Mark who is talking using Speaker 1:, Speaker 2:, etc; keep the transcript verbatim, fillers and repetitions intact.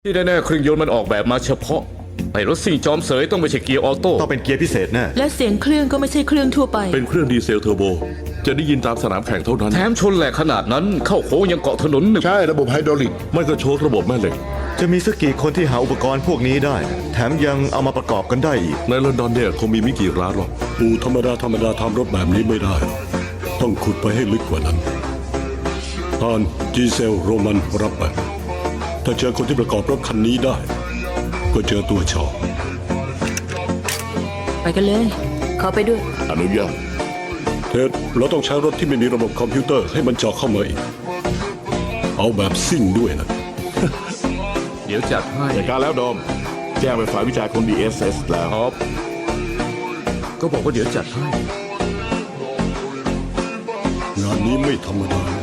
Speaker 1: ที่แน่ๆเครื่องยนต์มันออกแบบมาเฉพาะไอ้รถซิ่งจอมเสยต้องไม่ใช่เกียร์ออโต้
Speaker 2: ต้องเป็นเกียร์พิเศษแน่
Speaker 3: และเสียงเครื่องก็ไม่ใช่เครื่องทั่วไป
Speaker 4: เป็นเครื่องดีเซลเทอร์โบ จะได้ยินตามสนามแข่งเท่านั้น
Speaker 1: แถมชนแหลกขนาดนั้นเข้าโค้งยังเกาะถนนหนึบ
Speaker 5: ใช่ระบบไฮดรอลิก
Speaker 4: ไม่ก็โชคระบบแม่เหล็ก
Speaker 2: จะมีสักกี่คนที่หาอุปกรณ์พวกนี้ได้ แถมยังเอามาประกอบกันได้อีก
Speaker 4: ในลอนดอนเนี่ยคงมีไม่กี่ร้านหรอก
Speaker 6: อู่ธรรมดาธรรมดาทำรถแบบนี้ไม่ได้ ต้องขุดไปให้ลึกกว่านั้นตอนจีเซลโรมันรับไปถ้าเจอคนที่ประกอบรถคันนี้ได้ ก็เจอตัวชอ
Speaker 3: ไปกันเลย ขอไปด้วย
Speaker 5: อนุญาต
Speaker 6: เท็ดเราต้องใช้รถที่ไม่มีระบบคอมพิวเตอร์ให้มันเจาะเข้ามาอีก เอาแบบซิ่งด้วยนะ
Speaker 1: เดี๋ยวจัดให้
Speaker 5: จัดการแล้วดอม แจ้งไปฝ่ายวิจัยของ ดี เอส เอส แล้ว
Speaker 1: ครับ ก็บอกว่าเดี๋ยวจัดให้
Speaker 6: งานนี้ไม่ธรรมดานะ